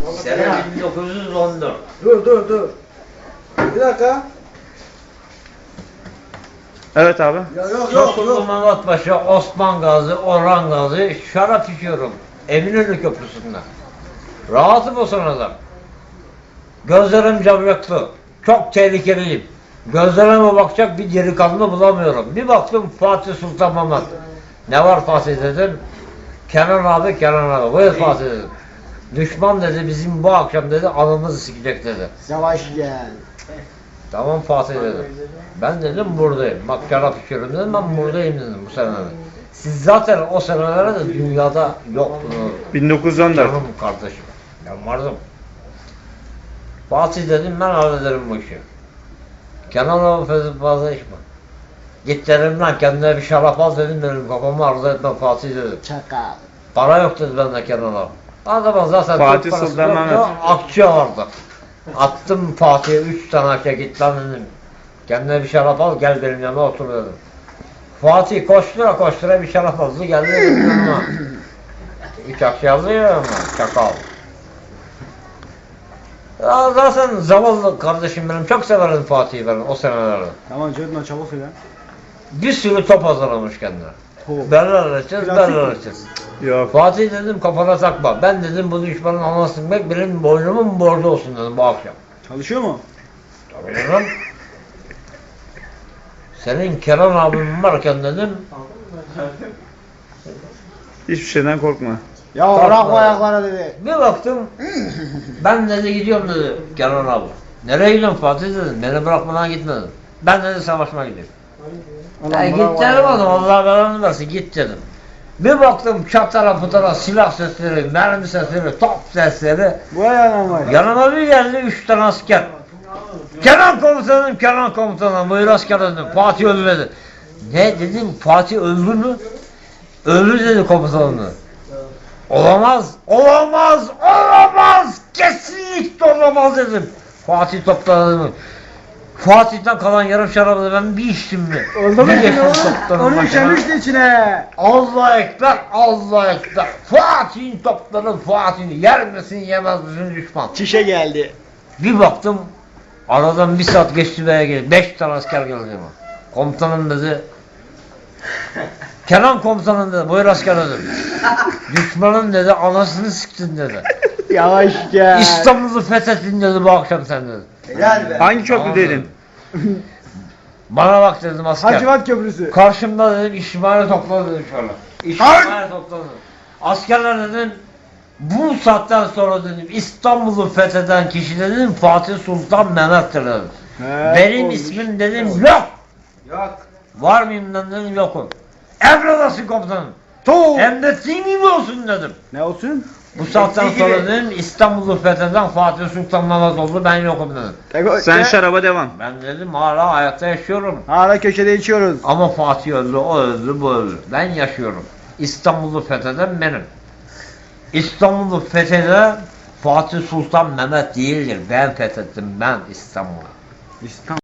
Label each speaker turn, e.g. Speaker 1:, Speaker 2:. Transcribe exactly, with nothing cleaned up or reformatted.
Speaker 1: Sene bin dokuz yüz on dört.
Speaker 2: Dur dur dur. Bir dakika.
Speaker 3: Evet abi.
Speaker 2: Ya yok yok
Speaker 1: Yoksullu
Speaker 2: yok.
Speaker 1: Mehmet Paşa, Osman Gazi, Orhan Gazi şarap içiyorum. Eminönü Köprüsü'nde. Rahatım o sırada. Gözlerim camyaklı. Çok tehlikeliyim. Gözlerime bakacak bir delikanlı bulamıyorum. Bir baktım Fatih Sultan Mehmet. Ne var Fatih dedim. Kenan abi, Kenan abi. Buyur Fatih dedim. Düşman dedi bizim bu akşam dedi anımızı sikecek dedi.
Speaker 2: Yavaş gel.
Speaker 1: Tamam Fatih dedim. Ben dedim buradayım. Bak şarap içiyorum dedim ben buradayım dedim bu senelerde. Siz zaten o senelerde dünyada yoktunuz.
Speaker 3: bin dokuz yüz on dört.
Speaker 1: Canım kardeşim. Ben vardım. Fatih dedim ben hallederim bu işi. Kenan abi fazla fazla içme. Git dedim lan kendine bir şarap al dedim benim kafamı arzu etme Fatih dedim.
Speaker 2: Çakal.
Speaker 1: Para yok dedi bende Kenan abi. Adamın zaten
Speaker 3: Fatih
Speaker 1: Türk parası
Speaker 3: Sultan
Speaker 1: yoktu,
Speaker 3: Mehmet.
Speaker 1: akçe vardı. Attım Fatih'e üç tane akçe git lan dedim. Kendine bir şarap al gel benim yanıma otur dedim. Fatih koştura koştura bir şarap aldı geldi benim yanıma. Üç akçe aldı ya ama çakal. Ya zaten zavallı kardeşim benim çok severim Fatih'i ben o senelerde.
Speaker 2: Tamam Cedna çabuk söyle.
Speaker 1: Bir sürü top hazırlamış kendine.
Speaker 2: Top.
Speaker 1: Berler açacağız,
Speaker 2: Plastik
Speaker 1: berler
Speaker 2: mi?
Speaker 1: açacağız.
Speaker 3: Yok.
Speaker 1: Fatih dedim kafana takma. Ben dedim bu düşmanın anasını sıkmak benim boynumun borcu olsun dedim bu akşam.
Speaker 2: Çalışıyor mu?
Speaker 1: Tabii dedim. Senin Kenan abim varken dedim.
Speaker 3: Hiçbir şeyden korkma.
Speaker 2: Ya
Speaker 1: Kalk
Speaker 2: bırak bu
Speaker 1: lan.
Speaker 2: ayaklara dedi.
Speaker 1: Bir baktım. Ben dedi gidiyorum dedi Kenan abi. Nereye gidiyorsun Fatih dedim. Beni bırakmadan gitme dedim. Ben dedi savaşmaya gidiyorum. Ya git
Speaker 2: bırak bu
Speaker 1: dedim
Speaker 2: ayaklara.
Speaker 1: oğlum Allah belanı versin git dedim. Bir baktım çatara putara silah sesleri, mermi sesleri, top sesleri.
Speaker 2: Bu ayağına var.
Speaker 1: Yanıma bir geldi üç tane asker. Kenan komutanım, Kenan komutanım, buyur asker dedim. Fatih öldü dedi. Ne dedim, Fatih öldü mü? Öldü dedi komutanım. Olamaz, olamaz, olamaz, kesinlikle olamaz dedim. Fatih topladı. Fatih'ten kalan yarım şarabı ben bir içtim mi?
Speaker 2: Oldu mu
Speaker 1: Bir
Speaker 2: şimdi
Speaker 1: geçtim
Speaker 2: oğlum?
Speaker 1: toplarım
Speaker 2: Onu
Speaker 1: başına.
Speaker 2: işemişti içine.
Speaker 1: Allah ekber, Allah ekber. Fatih'in topları Fatih'in yer misin yemez misin düşman.
Speaker 2: Çişe geldi.
Speaker 1: Bir baktım aradan bir saat geçti veya geldi. Beş tane asker geldi ama. Komutanım dedi. Kenan komutanım dedi. Buyur asker dedim. Düşmanın dedi anasını sıktın dedi.
Speaker 2: Yavaş gel.
Speaker 1: İstanbul'u fethettin dedi bu akşam sen dedi.
Speaker 2: Helal be.
Speaker 3: Hangi
Speaker 1: Tamam
Speaker 3: köprüdeydin?
Speaker 1: dedim. Bana bak dedim asker.
Speaker 2: Hacivat Köprüsü.
Speaker 1: Karşımda dedim İsmail'i topladı dedim şöyle. İsmail'i topladı. Askerler dedim bu saatten sonra dedim İstanbul'u fetheden kişi dedim Fatih Sultan Mehmet'tir dedim.
Speaker 2: He,
Speaker 1: Benim
Speaker 2: olmuş.
Speaker 1: ismim dedim yok.
Speaker 2: Yok.
Speaker 1: Var mıyım lan dedim yokum. Emredasın komutanım.
Speaker 2: Tuğ.
Speaker 1: Hem de senin olsun dedim.
Speaker 2: Ne olsun?
Speaker 1: Bu saatten sonra dedim İstanbul'u fetheden Fatih Sultan Mehmet oldu ben yokum dedim.
Speaker 3: Sen şaraba devam.
Speaker 1: Ben dedim hala hayatta yaşıyorum.
Speaker 2: Hala köşede içiyoruz.
Speaker 1: Ama Fatih öldü, o öldü, bu öldü. Ben yaşıyorum. İstanbul'u fetheden benim. İstanbul'u fetheden Fatih Sultan Mehmet değildir. Ben fethettim ben İstanbul'u.
Speaker 2: İstanbul.